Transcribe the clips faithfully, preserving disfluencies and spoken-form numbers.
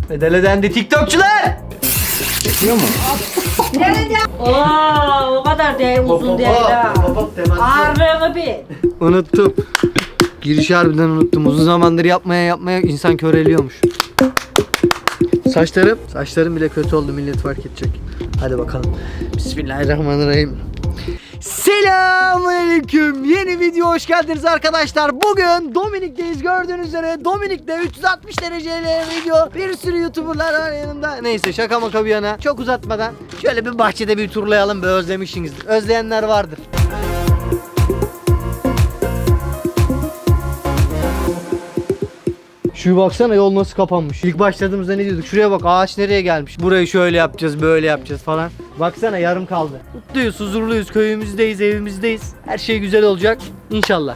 Bedel ödendi TikTokçular. Çekiyor mu? Nerede? Oo, o kadar değil, uzun değil ha. Ağırlığını bil. Unuttum. Girişi harbiden unuttum. Uzun zamandır yapmaya yapmaya insan köreliyormuş. Saçlarım, saçlarım bile kötü oldu, millet fark edecek. Hadi bakalım. Bismillahirrahmanirrahim. Selamünaleyküm. Yeni video hoş geldiniz arkadaşlar. Bugün Dominik'teyiz, gördüğünüz üzere. Dominik'te üç yüz altmış dereceyle video. Bir sürü YouTuber'lar var yanımda. Neyse şaka maka bir yana. Çok uzatmadan şöyle bir bahçede bir turlayalım be, özlemişsinizdir. Özleyenler vardır. Şu baksana, yol nasıl kapanmış. İlk başladığımızda ne diyorduk? Şuraya bak, ağaç nereye gelmiş? Burayı şöyle yapacağız, böyle yapacağız falan. Baksana, yarım kaldı. Mutluyuz, huzurluyuz, köyümüzdeyiz, evimizdeyiz. Her şey güzel olacak İnşallah.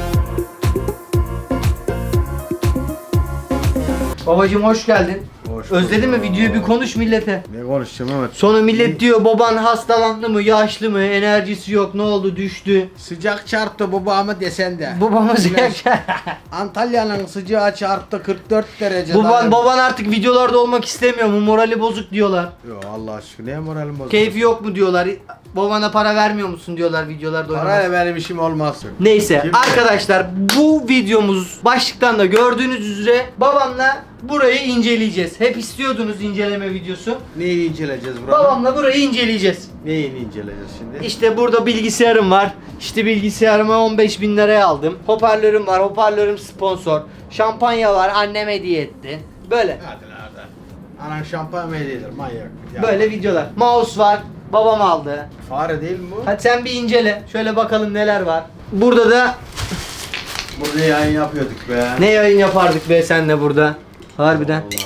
Babacım hoş geldin. Hoş Özledin mi? bulduk. Videoyu bir konuş millete. Ne konuşacağım evet. Sonra millet diyor baban hastalandı mı, yaşlı mı, enerjisi yok, ne oldu, düştü. Sıcak çarptı babamı desen de. Babamız Antalya'nın sıcağı çarptı kırk dört derece. Baban, baban artık videolarda olmak istemiyor mu? Morali bozuk diyorlar. Yo Allah aşkına ne moralim bozuldu. Keyfi yok mu diyorlar. Babana para vermiyor musun diyorlar videolarda oynamak. Parayla benim işim olmaz. Neyse Kim arkadaşlar, bu videomuz başlıktan da gördüğünüz üzere babamla burayı inceleyeceğiz. Hep istiyordunuz inceleme videosu. Neyi inceleyeceğiz burada? Babamla burayı inceleyeceğiz. Neyi inceleyeceğiz şimdi? İşte burada bilgisayarım var. İşte bilgisayarımı on beş bin liraya aldım. Hoparlörüm var. Hoparlörüm sponsor. Şampanya var. Annem hediye etti. Böyle. Hadi lan hadi. Anan şampanya hediyedir manyak. Ya. Böyle videolar. Mouse var. Babam aldı. Fare değil mi bu? Hadi sen bir incele. Şöyle bakalım neler var. Burada da Burada yayın yapıyorduk be. ne yayın yapardık be senle burada. Harbiden. Allah.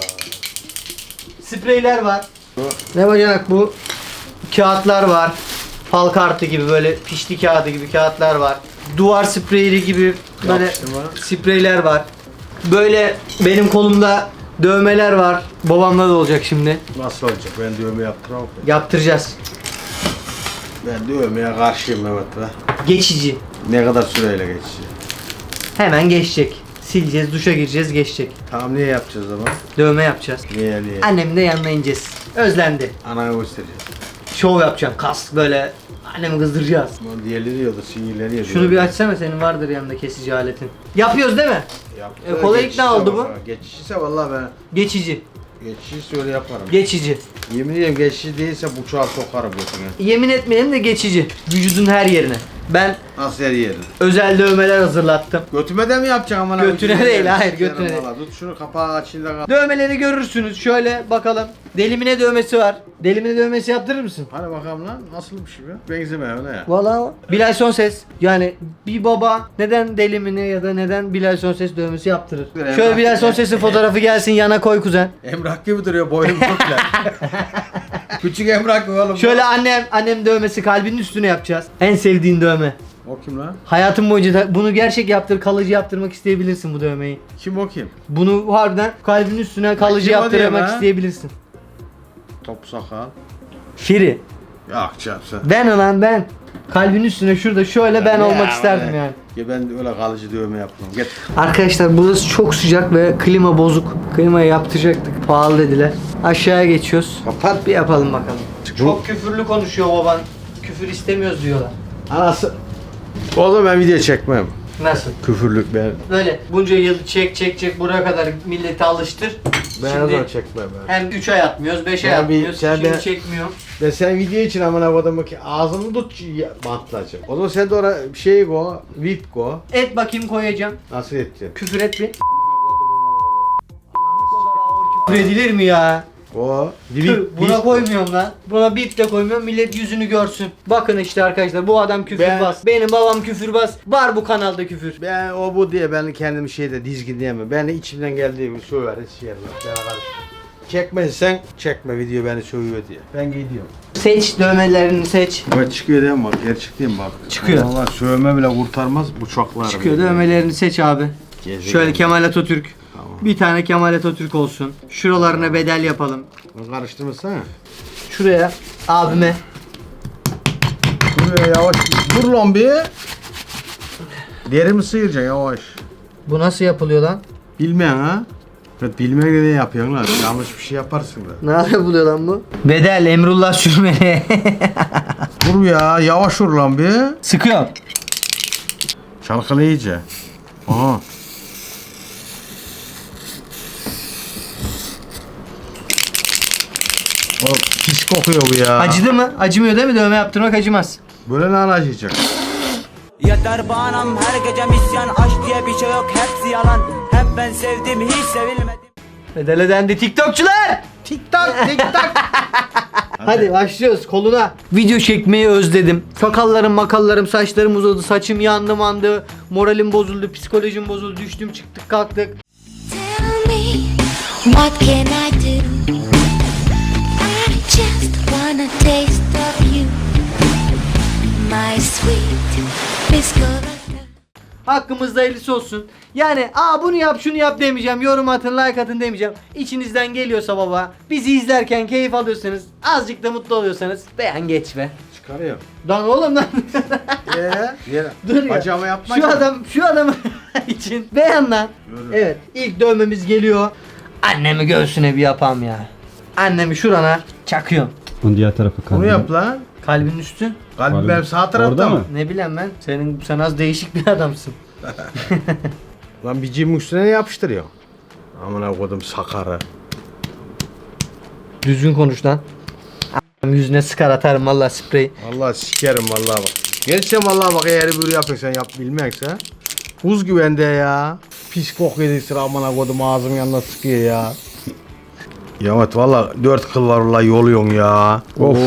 Spreyler var. Bu. Ne bacanak bu? Kağıtlar var. Fal kartı gibi, böyle pişti kağıdı gibi kağıtlar var. Duvar spreyli gibi böyle Yapıştırma. spreyler var. Böyle benim kolumda dövmeler var. Babamla da olacak şimdi. Nasıl olacak? Ben dövme yaptıramam. ki. Yaptıracağız. Ben dövmeye karşıyım evet be. Geçici. Ne kadar süreyle geçecek? Hemen geçecek. Sileceğiz, duşa gireceğiz, geçecek. Tamam niye yapacağız ama? Dövme yapacağız. Niye niye? Annemin de yanına ineceğiz. Özlendi. Anana göstereceğiz. Şov yapacağım. Kas böyle. Annemi kızdıracağız. Ama diğerleri da sinyalleniyor. Şunu bir açsana, senin vardır yanında kesici aletin. Yapıyoruz değil mi? Yaptı. E, kolay ikna oldu bu. Geçişse vallahi ben Geçici. geçişi öyle yaparım. Geçici. Yemin ediyorum geçiş değilse bıçağı sokarım götüne. Yemin etmeyelim de geçici. Vücudun her yerine. Ben Nasıl her yerin? özel dövmeler hazırlattım. Götüme de mi yapacaksın amına? Götüne Götüne değil, de hayır, sikerim götüne değil. valla. Tut şunu kapağı açıyla kal. Dövmeleri görürsünüz. Şöyle bakalım. Delimine dövmesi var. Delimine dövmesi yaptırır mısın? Hadi bakalım lan nasıl bir şey be? Benzeme öyle ya. Valla Bilal Sonses. Yani bir baba neden delimine ya da neden Bilal Sonses dövmesi yaptırır? Emrah- Şöyle Bilal Sonses'in fotoğrafı gelsin, yana koy kuzen. Emrah gibi duruyor boyun çok lan. Küçük Emrah gibi oğlum. Şöyle annem annem dövmesi, kalbinin üstüne yapacağız. En sevdiğin dövme. O kim lan? Hayatın boyunca da bunu gerçek yaptır, kalıcı yaptırmak isteyebilirsin bu dövmeyi. Kim o kim? Bunu harbiden kalbin üstüne kalıcı kim o yaptırmak diyor lan? isteyebilirsin. Top sakal. Firi. Yok çarpsın. Ben olan ben. Kalbin üstüne şurada şöyle ben Ya, olmak ya, isterdim öyle. yani. Ya ben öyle kalıcı dövme yapmam. Git. Arkadaşlar burası çok sıcak ve klima bozuk. Klimayı yaptıracaktık. Pahalı dediler. Aşağıya geçiyoruz. Kapat. Bir yapalım bakalım. Bu- Çok küfürlü konuşuyor baban. Küfür istemiyoruz diyorlar. Anası. O zaman ben video çekmem. Nasıl? Küfürlük ben. Böyle bunca yıl çek çek çek buraya kadar milleti alıştır. Ben o Şimdi zaman çekmem ben. hem üç ay atmıyoruz, beş ay Ya bir- atmıyoruz. sen Şimdi de- çekmiyorum. Ben sen video için amına koydum ki ağzını tut ya- bantlayacak. O zaman sen de oraya bir şey go, vip go. Et bakayım, koyacağım. Nasıl edeceksin? Küfür et bir. Küfür edilir mi ya? O Tüh, buna koymuyorum lan. Buna bip de koymuyorum. Millet yüzünü görsün. Bakın işte arkadaşlar, bu adam küfürbaz. Ben- Benim babam küfürbaz. Var bu kanalda küfür. Ben o bu diye ben kendimi şeyde dizgin diyemem. Ben de içimden geldiği gibi söver, şeyler. Çekmezsen çekme video beni sövüyor diye. Ben gidiyorum. Seç, dövmelerini seç. Bak çıkıyor değil mi bak? Gerçek değil mi bak? Çıkıyor. Valla sövme bile kurtarmaz bıçaklar. Çıkıyor, dövmelerini seç abi. Gezegen. Şöyle Kemal Atatürk. Tamam. Bir tane Kemal Atatürk olsun. Şuralarına bedel yapalım. Bunu karıştırmasana. Şuraya abime. Dur ya, yavaş. Dur lan bir. Derimi sıyıracaksın yavaş. Bu nasıl yapılıyor lan? Bilmeyen ha? Şevket bilmek ne yapıyorsun lan? Yanlış bir şey yaparsın da. Ne buluyor lan bu? Bedel Emrullah Sürmeli. Dur ya yavaş vur lan bir. Sıkıyor. Çalkalı iyice. Aha. Oğlum pis kokuyor bu ya. Acıdı mı? Acımıyor değil mi? Dövme yaptırmak acımaz. Böyle ne acıyacak? Yeter banam her gece misyan, aşk diye bir şey yok, hepsi yalan. Hep ben sevdim, hiç sevilmedim. Bedele dendi TikTokçular. Tik-tak tik-tak. Hadi başlıyoruz koluna. Video çekmeyi özledim. Sakallarım makallarım saçlarım uzadı. Saçım yandı mandı. Moralim bozuldu. Psikolojim bozuldu. Düştüm çıktık kalktık. Tell me, what can I do? I just wanna taste of you, my sweet biscuit. Hakkımızda hayırlısı olsun. Yani aa bunu yap şunu yap demeyeceğim. Yorum atın like atın demeyeceğim. İçinizden geliyorsa baba. Bizi izlerken keyif alıyorsanız. Azıcık da mutlu oluyorsanız. Beğen geç be. Çıkarıyor. Lan oğlum lan. Eee? Yere. Dur ya. Acama yapma. Şu adam şu adam için beğen lan. Yürü. Evet ilk dövmemiz geliyor. Annemi göğsüne bir yapam ya. Annemi şurana çakıyorum. Onun diğer tarafı kaldı. Bunu yap lan. Kalbin üstü. Kalbim Kalbim. benim sağ tarafta Orada mı? mı? Ne bileyim ben. Senin sen az değişik bir adamsın. Lan bir cimin üstüne ne yapıştırıyor? Amına kodum sakarı. Düzgün konuş lan. A- Yüzüne sıkar atarım valla sprey. Vallahi sikerim vallahi bak. Gerçekten vallahi bak eğer böyle yapıyorsan yap bilmekse. Buz güvende ya. Pis kok yedik sıra amına kodum ağzım yanına sıkıyor ya. Ya evet valla dört kıl var valla yoluyorsun ya. Of.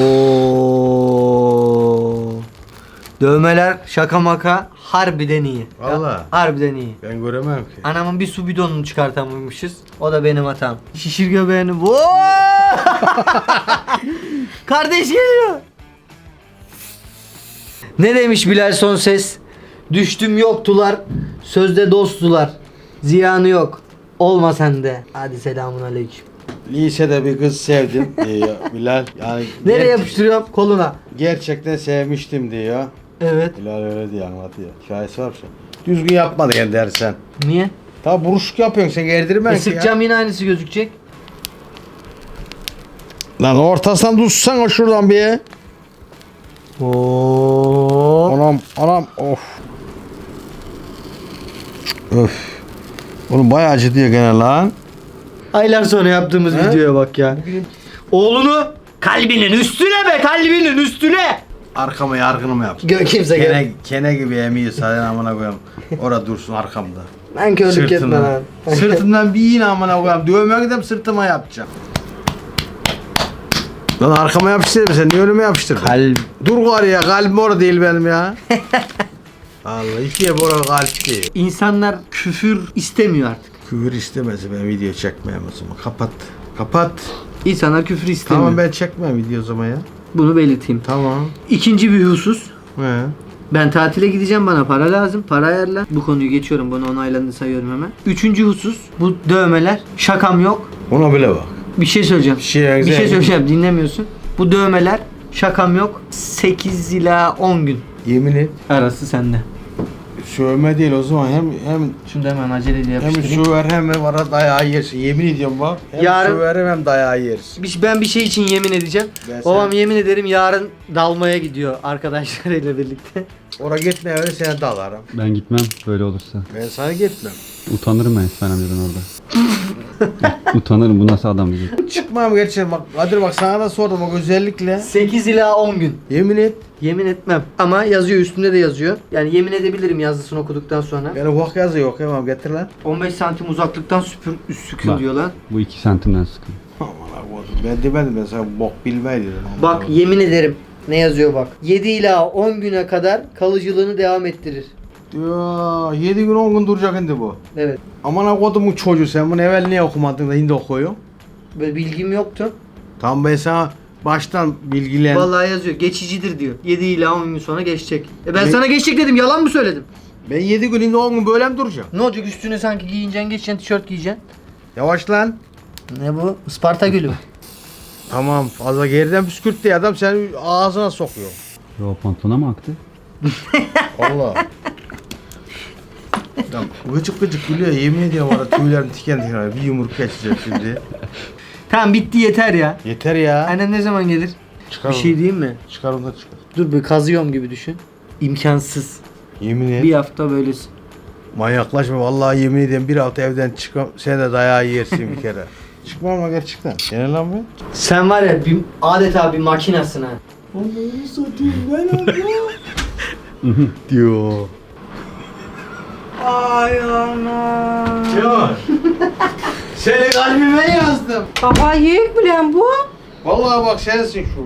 Oo. Dövmeler şaka maka harbiden iyi. Ya, Valla. harbiden iyi. Ben göremem ki. Anamın bir su bidonunu çıkartamamışız. O da benim hatam. Şişir göbeğini. Oo! Kardeş geliyor. Ne demiş Bilal Sonses? Düştüm yoktular. Sözde dosttular. Ziyanı yok. Olma sende. Hadi selamun aleyküm. Lisede bir kız sevdim diyor Bilal. Yani Nereye ger- yapıştırıyorum? Koluna. gerçekten sevmiştim diyor. Evet. Bilal öyle diyor anlatıyor. Şahisi var mı? Düzgün yapmadı yani dersen. Niye? Ta buruşuk yapıyorsun sen gerdirmen E, ki ya. sıkacağım yine aynısı gözükecek. Lan ortasından tutsana şuradan bir. Oo. Anam anam of. Öf. Oğlum bayağı acı diyor gene lan. Aylar sonra yaptığımız He? videoya bak ya. Oğlunu kalbinin üstüne be kalbinin üstüne. Arkama yargını mı yapsın? Gö kimse gör. Kene, kene gibi emiyor sadece amına koyayım. Orada dursun arkamda. Ben körlük etme lan. Sırtımdan bir iğne amına koyayım. Dövmeye gidip sırtıma yapacağım. Lan arkama yapıştırayım sen niye önüme yapıştırdın? Kalp. Dur var ya kalbim orada değil benim ya. Allah ikiye bora kalp değil. İnsanlar küfür istemiyor artık. Küfür istemez ben video çekmeyeyim o zaman. Kapat. Kapat. İnsanlar küfür istemiyor. Tamam ben çekmem video o zaman ya. Bunu belirteyim. Tamam. İkinci bir husus. He. Ben tatile gideceğim bana para lazım. Para ayarla. Bu konuyu geçiyorum. Bunu onaylandığını sayıyorum hemen. Üçüncü husus. Bu dövmeler. Şakam yok. Ona bile bak. Bir şey söyleyeceğim. Bir şey- bir şey güzel. söyleyeceğim. Dinlemiyorsun. Bu dövmeler. Şakam yok. sekiz ila on gün Yemin et. arası sende. Sövme değil o zaman hem hem Şunu da hemen aceleyle hem yapıştırayım. söver hem var dayağı yersin. Yemin ediyorum bak. Hem Yarın- söverim hem dayağı yersin. Bir- Ben bir şey için yemin edeceğim. Ben Babam sen- yemin ederim yarın dalmaya gidiyor arkadaşlarıyla birlikte. Oraya gitme öyle seni dalarım. Ben gitmem böyle olursa. Ben sana gitmem. Utanırım ben İsmail amcadan orada. Utanırım bu nasıl adam diye. Çıkmam gerçekten bak. Kadir bak sana da sordum bak özellikle. sekiz ila on gün. Yemin et. Yemin etmem. Ama yazıyor üstünde de yazıyor. Yani yemin edebilirim yazısını okuduktan sonra. Yani ufak yazı yok hemen getir lan. on beş santim uzaklıktan süpür, sükün Bak. diyor lan. Bu iki santimden sıkın. Aman Allah'ım ben demedim ben sana bok bilmeyi dedim. Aman Bak Allah'ım. yemin ederim. Ne yazıyor bak. yedi ila on güne kadar kalıcılığını devam ettirir. Ya yedi gün on gün duracak şimdi bu. Evet. Aman ha kodumun çocuğu sen bunu evvel niye okumadın da şimdi okuyorsun? Böyle bilgim yoktu. Tam ben sana baştan bilgilen. Vallahi yazıyor. Geçicidir diyor. yedi ila on gün sonra geçecek. E ben Ne? sana geçecek dedim. Yalan mı söyledim? Ben yedi gün şimdi on gün böyle mi duracağım? Ne olacak üstüne sanki giyineceksin, geçeceksin, tişört giyeceksin. Yavaş lan. Ne bu? Isparta gülü. Tamam fazla geriden püskürt diye adam seni ağzına sokuyor. Yo pantolona mı aktı? Allah. Ya gıcık gıcık gülüyor yemin ediyorum arada tüylerim tiken tiken bir yumruk geçeceğim şimdi. Tamam bitti yeter ya. Yeter ya. Annem ne zaman gelir? Çıkar Bir onu. şey diyeyim mi? Çıkar onu da çıkar. Dur bir kazıyorum gibi düşün. İmkansız. Yemin et. Bir hafta böylesin. Manyaklaşma vallahi yemin ediyorum bir hafta evden çıkmam sen de dayağı yersin bir kere. Çıkmam mı gerçekten? Gene lan be. Sen var ya bir, adeta bir makinasın ha. Diyor. Ay anam. Diyor. Seni kalbime yazdım. Baba yiyik bilen bu. Vallahi bak sensin şu.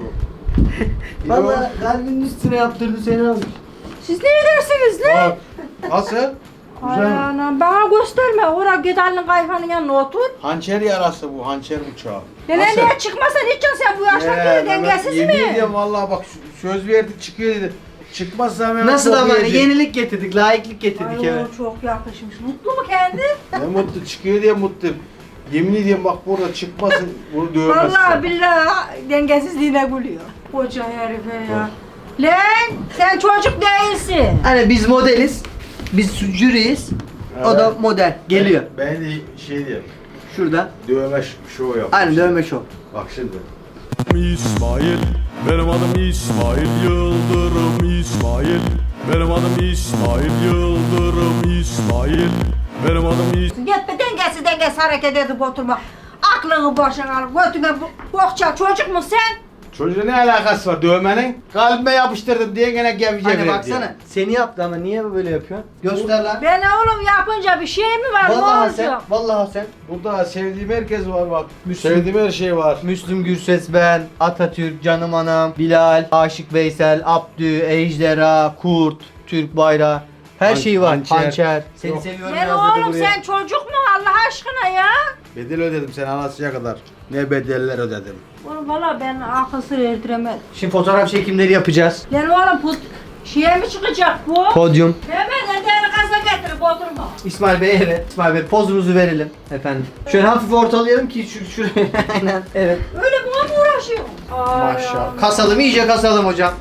Valla kalbinin üstüne yaptırdı seni almış. Siz ne edersiniz lan? Bak. Nasıl? Ay Güzel. anam bana gösterme. Oraya gidenin kayfanın yanına otur. Hançer yarası bu, hançer bıçağı. Nene Nasıl? niye çıkmasan içeceksin sen bu yaşta Ee, geri Mehmet, dengesiz yemin mi? ediyorum vallahi bak söz verdik çıkıyor dedi. Çıkmazsa Mehmet Nasıl bok ama yiyecek. yenilik getirdik, layıklık getirdik Ay eve. o çok yakışmış. Mutlu mu kendi? Ne mutlu çıkıyor diye mutluyum. Yemin ediyorum bak burada çıkmasın bunu dövmezsin. Vallahi billahi dengesizliğine gülüyor. Koca herife ya. Lan sen çocuk değilsin. Hani biz modeliz, biz jüriyiz, o da model. Geliyor. Ben, ben de şey diyeyim. Şurada. Dövme ş- şov yap. Aynen dövme şov. Bak şimdi. İsmail, benim adım İsmail Yıldırım İsmail, benim adım İsmail Yıldırım İsmail, benim adım İsmail. Gitme dengesiz dengesiz hareket edip oturma. Aklını başına al. Götüne bu- bokça çocuk mu sen? Çocuğun ne alakası var dövmenin? Kalbime yapıştırdım diye gene gevşe Hani verdi. baksana seni yaptı ama niye böyle yapıyor? Göster lan. Ben oğlum yapınca bir şey mi var? Vallahi ne sen, olacak? vallahi sen. Burada sevdiğim herkes var bak. Müslüm. Sevdiğim her şey var. Müslüm Gürses ben, Atatürk, Canım Anam, Bilal, Aşık Veysel, Abdü, Ejderha, Kurt, Türk Bayrağı. Her Han- şeyi var. hançer. Hançer. Seni Yok. seviyorum Lan yazdı oğlum buraya. sen çocuk mu Allah aşkına ya? Bedel ödedim sen anasıya kadar. Ne bedeller ödedim. Oğlum valla ben akıl sır erdiremedim. Şimdi fotoğraf çekimleri yapacağız. Lan oğlum bu şeye mi çıkacak bu? Podyum. Hemen ellerini kasa getirip oturma. İsmail Bey evet. İsmail Bey pozumuzu verelim efendim. Şöyle hafif ortalayalım ki şu şuraya. Aynen. Evet. Öyle buna mı uğraşıyor? Ay Maşallah. Kasalım iyice kasalım hocam.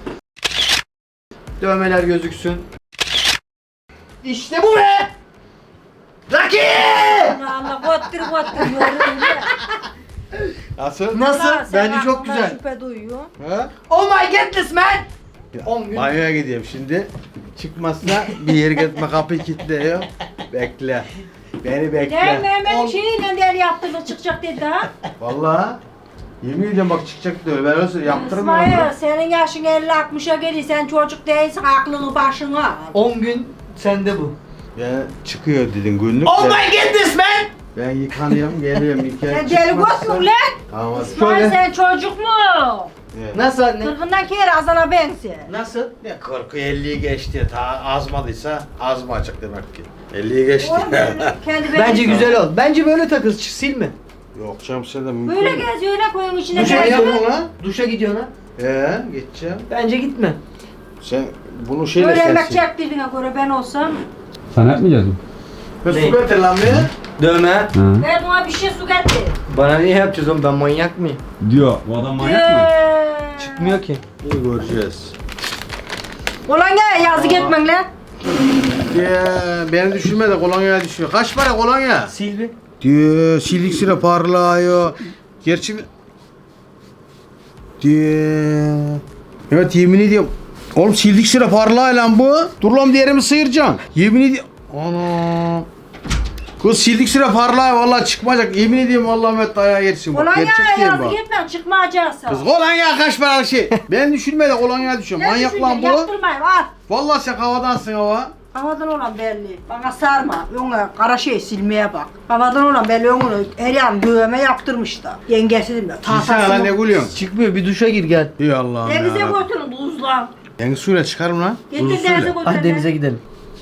Dövmeler gözüksün. İşte bu be! Rocky! Allah Allah göttür göttür yoruyor ya. Nasıl? Nasıl? Ulan sen Bence çok aklına güzel. şüphe duyuyor. Ha? Oh my goodness man! on gün. Banyoya gideyim şimdi. Çıkmazsa bir yere gitme kapıyı kilitliyor. Bekle. Beni Gel bekle. Mehmet şeyle der yaptığını çıkacak dedi ha. Vallahi yemin ediyorum bak çıkacak diyor. Ben öyle yaptırırım onu. İsmail senin yaşın elli altmışa geliyor. Sen çocuk değilsin aklını başına al. on gün sende bu. Ben çıkıyor dedin günlük. Oh ben, my goodness man! ben yıkanıyorum geliyorum yıkayıp Sen deli göt mü lan? Tamam hadi. İsmail Şöyle. sen çocuk mu? Evet. Nasıl anne? Kırkından kere azana bense. Nasıl? Ne kırkı elliyi geçti. Ta azmadıysa az mı açık demek ki. elliyi geçti. Oğlum ben kendi Bence güzel ol. Bence böyle takıl, silme. Yok canım sen de mümkün. Böyle mü? geziyor öyle koyun içine Duşa Ne geziyor. gidiyor yapıyorsun lan? Duşa gidiyorsun ha. Ee, geçeceğim. Bence gitme. Sen bunu şeyle Böyle emek sensin. çektirdiğine göre ben olsam Sen yapmayacağız mı? Ben Ne? su getir lan be. Dövme. Ha. ben ona bir şey su getir. Bana niye yapacağız oğlum? Ben manyak mıyım? Diyor. Bu adam manyak mı? Eee. Çıkmıyor ki. İyi göreceğiz. Ulan gel yazık etmen lan. Ya beni düşürme de kolonyaya düşüyor. Kaç para kolonya? Sil bir. Diyor silik sıra parlıyor. Gerçi diyor. Evet yemin ediyorum. Oğlum sildik sıra parlağı lan bu. Dur lan diğerimi sıyıracaksın. Yemin ediyorum. Ana. Kız sildik sıra parlağı vallahi çıkmayacak. Yemin ediyorum vallahi Mehmet dayağı yersin bak. Ulan Gerçek ya değil yazık bak. etmen çıkmayacaksa. Kız kolonya kaç paralık şey. Ben düşürme de kolonya düşüyor. Manyak lan bu. Yaptırmayın al. Vallahi sen havadansın hava. Havadan olan belli. Bana sarma. Ona kara şey silmeye bak. Havadan olan belli onu her yan dövme yaptırmış da. Yengesi de Silsene lan ne gülüyorsun? Çıkmıyor. Bir duşa gir gel. İyi Allah'ım Denize ya. götürün buzlan. Deniz suyla çıkarım lan. Getir Buzlu denize suyla. götürün. Hadi denize gidelim.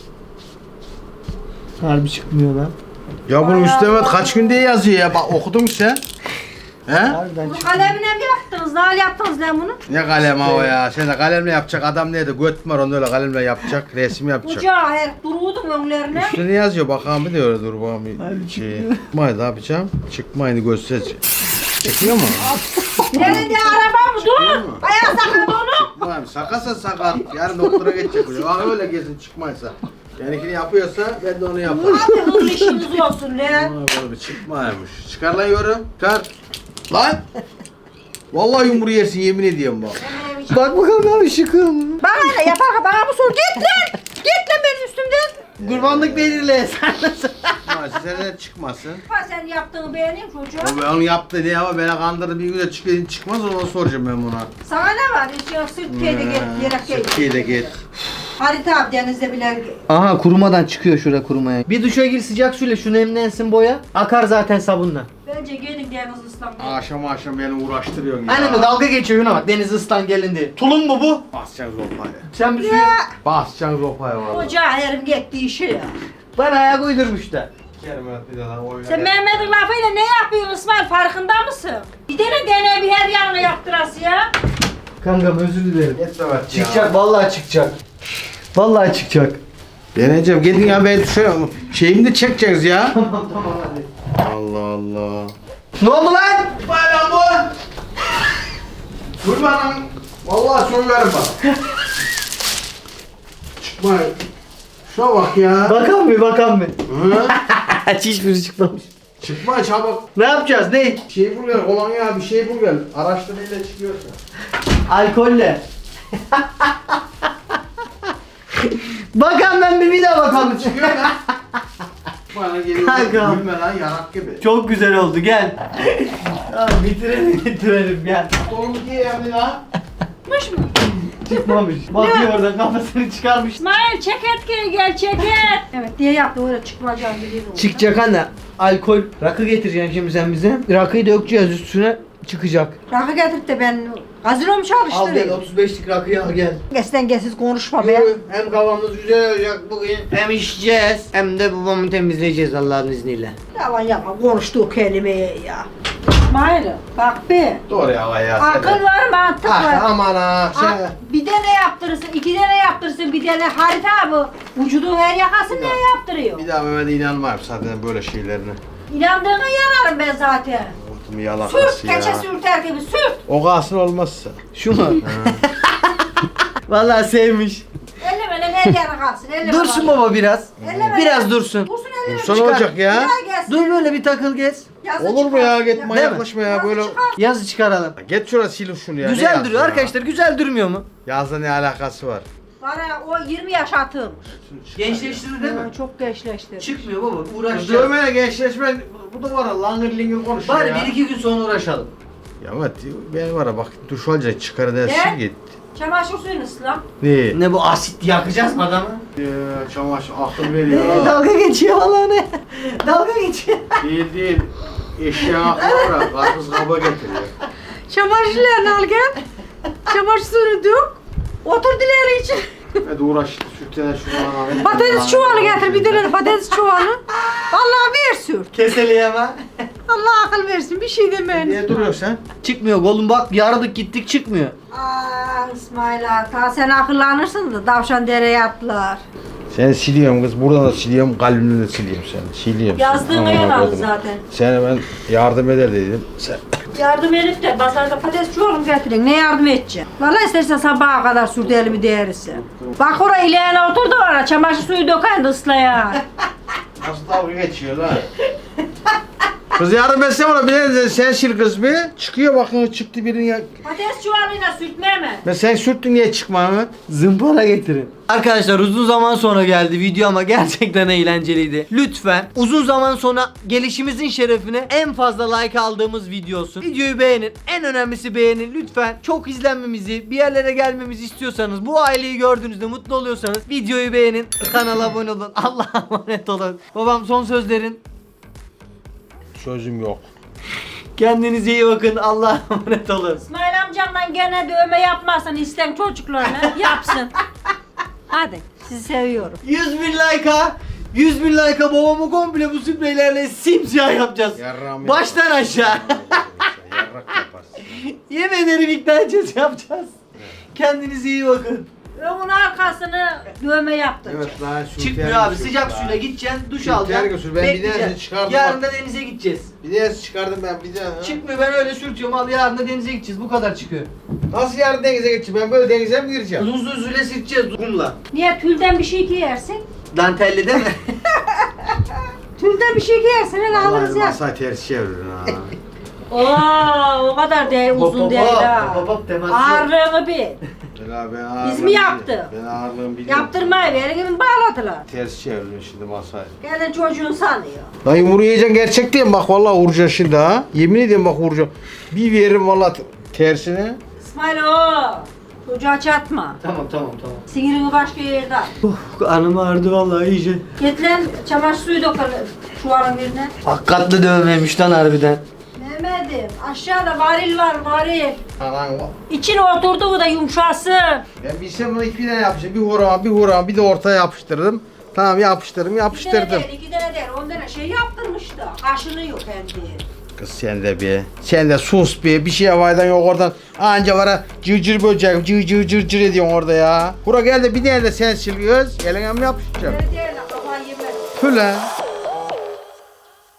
Harbi çıkmıyor lan. Ya bunun üstüne kaç gün diye yazıyor ya. Bak okudun mu sen? He? Harbiden Bunu çıkmıyor. kalemine mi yaptınız? Nasıl yaptınız lan bunu? Ne kalem o ya? Sen de kalemle yapacak adam neydi? Göt mü var onu öyle kalemle yapacak, resim yapacak. Ucağı her duruyordum önlerine. Üstüne yazıyor bakalım bir de öyle dur bakalım bir şey. Çıkmayın ne yapacağım? Çıkmayın göstereceğim. Çıkıyor mu? Nerede araba mı? Dur. Ayağı sakat onu. Çıkmayın. Sakasa sakat. Yarın doktora geçecek. Bak öyle gezin çıkmaysa. Benimkini yapıyorsa ben de onu yaparım. Hadi hızlı işiniz olsun lan. Aa, böyle bir çıkmaymış. Çıkar lan yorum. Çıkar. Lan. Vallahi yumruğu yersin yemin ediyorum bak. Bak bakalım abi şıkım. Bana ne yapar bana mı sor? Git lan. Git lan benim üstümden. Kurbanlık belirle. Sen nasıl? Ha, size de çıkmasın. Ha, sen yaptığını beğeneyim çocuğum. O ben onu yaptı diye ama beni kandırdı bir gün de çıkıyor çıkmaz onu soracağım ben buna. Sana ne var? Hiç yok Sırtkiye'de git. Yere git. Türkiye'de git. Harita abi denizde bile. Aha kurumadan çıkıyor şurada kurumaya. Bir duşa gir sıcak suyla şunu emlensin boya. Akar zaten sabunla. Bence gelin deniz ıslanma. Akşam akşam beni uğraştırıyorsun ya. Aynen mi? Dalga geçiyor Yuna bak deniz ıslan gelin diye. Tulum mu bu? Basacaksın zopayı. Sen bir suyu... Basacaksın zopayı valla. Koca herim gitti işi ya. Bana ayak uydurmuş da. Sen Mehmet'in lafıyla ne yapıyorsun İsmail farkında mısın? Bir tane dene bir her yanına yaptırası ya. Kankam özür dilerim. Yeter evet ya. Çıkacak vallahi çıkacak. Vallahi çıkacak. Deneyeceğim. Gidin ya ben şöyle şeyimi de çekeceğiz ya. Tamam tamam hadi. Allah Allah. Ne oldu lan? Bayram bu. Dur bana. Vallahi söylerim bak. Çıkma. Şuna bak ya. Bakan mı bakan mı? Hı? Hiçbiri çıkmamış. Çıkma çabuk. Ne yapacağız ne? Şey bul gel. Kolonya bir şey bul gel. Araştırmayla çıkıyorsa. Alkolle. Bakan ben bir bir daha bakalım. Çıkıyor lan. Bana geliyor. Kanka. Gülme lan yarak gibi. Çok güzel oldu gel. Tamam bitirelim bitirelim gel. Oğlum diye yani lan. Mış mı? Çıkmamış. Bakıyor oradan kafasını çıkarmış. İsmail çek etkiyi gel çek et. Evet diye yaptı öyle çıkmayacağını biliyorum. Çıkacak anne. Alkol. Rakı getireceksin şimdi sen bize. Rakıyı dökeceğiz üstüne çıkacak. Rakı getirip de ben gazino mu Al gel çalıştırayım? otuz beşlik rakıyı al gel. Gesten gelsiz konuşma be. Yürü. Hem kafamız güzel olacak bugün. Hem içeceğiz. Hem de babamı temizleyeceğiz Allah'ın izniyle. Yalan yapma konuştuğu kelimeye ya. İsmail bak be. Doğru ya ya. Akıl var mantık var. Ah aman ha. Ha, Şey. bir tane yaptırırsın, iki tane yaptırırsın, bir tane harita bu. Vücudun her yakasını ne yaptırıyor? Bir daha Mehmet'e inanmam zaten böyle şeylerine. İnandığına yanarım ben zaten. Ortamı yalakası Sürt, ya. keçe sürter gibi sürt. O kalsın olmazsa. Şu mu? Vallahi sevmiş. Elleme lan her yana kalsın, elleme. Dursun bak. baba biraz. Elleme Biraz lan. dursun. Dursun elleme. Dursun Çıkar. olacak ya. Bir daha gelsin. Dur böyle bir takıl gez. Yazı Olur mu çıkar. ya? Gitme Değil mi? yaklaşma ya Yazı böyle. çıkar. Yazı çıkaralım. Get şurası silin şunu ya. ne Güzel yazdı duruyor ya? arkadaşlar. Güzel durmuyor mu? Yazda ne alakası var? Bana o yirmi yaş atım. Gençleştirir değil mi? Ha, çok gençleşti. Çıkmıyor baba. Kız Uğraşacağız. dövmene gençleşme. Bu da var ya langır lingir konuşuyor Bari ya. bir iki gün sonra uğraşalım. Ya evet ben var ya bak duş alacak çıkar dersin Ne? git. Çamaşır suyunu ıslan. Ne? Ne bu asit yakacağız mı adamı? Ya, çamaşır akıl veriyor Ee, ha. dalga geçiyor valla ne? Dalga geçiyor. Değil değil. Eşya aklı var ya. Karpuz kaba getiriyor. Çamaşırlarını al gel. Çamaşır suyunu dök. Otur dileri için. Hadi uğraş sütten şunu. Patates çuvalı getir bir tane patates çuvalı. Allah ver sür. Keseleyeme. Allah akıl versin bir şey demeyin. Niye duruyorsun sen? Çıkmıyor oğlum bak yaradık gittik çıkmıyor. Aa İsmail ağa ta sen akıllanırsın da davşan dereye atlar. Seni siliyorum kız. Buradan da siliyorum. Kalbimden de siliyorum seni. Siliyorum. Yazdığına Aman yer aldı Allah'ım. zaten. Sana ben yardım eder dedim. Sen... Yardım edip de pazarda patates çuvalı getirin. Ne yardım edeceksin? Vallahi istersen sabaha kadar sürdü elimi değerisi. Bak oraya ileğine otur da var. Çamaşır suyu döken de ıslayan. Nasıl dalga geçiyor lan? Kız yardım etsene ona bir de sen sil kız bir. Çıkıyor bakın çıktı birinin ya. Patates çuvalıyla sürtme mi? Ben sen sürttün niye çıkma Ahmet? Zımpara getirin. Arkadaşlar uzun zaman sonra geldi video ama gerçekten eğlenceliydi. Lütfen uzun zaman sonra gelişimizin şerefine en fazla like aldığımız video olsun. Videoyu beğenin. En önemlisi beğenin lütfen. Çok izlenmemizi, bir yerlere gelmemizi istiyorsanız, bu aileyi gördüğünüzde mutlu oluyorsanız videoyu beğenin. Kanala abone olun. Allah'a emanet olun. Babam son sözlerin. Sözüm yok. Kendinize iyi bakın. Allah'a emanet olun. İsmail amcamdan gene dövme yapmasın isten çocuklarına yapsın. Hadi sizi seviyorum. yüz bin like'a yüz bin like'a babamı komple bu spreylerle simsiyah yapacağız. Yarrağımı Baştan aşağı. Yarrak yaparsın. Yemin ederim ikna edeceğiz yapacağız. Kendinize iyi bakın. Önün arkasını dövme yaptım. Evet lan şu Çıkmıyor abi sıcak suyla gideceksin duş Şu alacaksın. ter götür, ben bir bekleyeceksin. denesini çıkardım Yarın bak. da denize gideceğiz. Bir de çıkardım ben bir de. ha. Çıkmıyor ben öyle sürtüyorum al yarın da denize gideceğiz bu kadar çıkıyor. Nasıl yarın denize geçeceğim? Ben böyle denize mi gireceğim? Uzun süre sürteceğiz kumla. Niye tülden bir şey giyersin? Dantelli değil mi? Tülde bir şey giyersin hele alırız Vallahi ya. masayı ters çevirin ha. Oo, o kadar değil Hop, uzun hop, değil hop, ha. hop, hop demezsin. Ağırlığını bil. Bela ben ağırlığım Biz mi yaptık? biliyorum. Ben ağırlığımı biliyorum. Yaptırmayı verin gibi bağladılar. Ters çeviriyor şimdi masayı. Kendin çocuğun sanıyor. Lan yumruğu yiyeceksin gerçek değil mi? Bak vallahi vuracağım şimdi ha. Yemin ediyorum bak vuracağım. Bir veririm vallahi t- tersine. İsmail o. Çocuğa çatma. Tamam tamam tamam. Sinirini başka yerde al. Uf, karnım ağrıdı vallahi iyice. Git lan çamaşır suyu dökelim çuvalın birine. Hakikatli dövmemiş lan harbiden. Mehmet'im aşağıda varil var varil. Anan İçine oturdu bu da yumuşasın. ben bilsem bunu iki tane yapacağım. Bir hurama bir hurama bir de ortaya yapıştırdım. Tamam yapıştırdım Bir tane yapıştırdım. değil, iki tane değil. On tane şey yaptırmıştı. Kaşınıyor kendi. Kız sen de bir. Sen de sus bir. Bir şey havaydan yok oradan. Anca var ha cır cır böcek cır cır cır cır ediyorsun orada ya. Bura gel de bir tane de sen sil göz. Eline mi yapıştıracağım? Öyle değil, kafayı yemez. Tüle.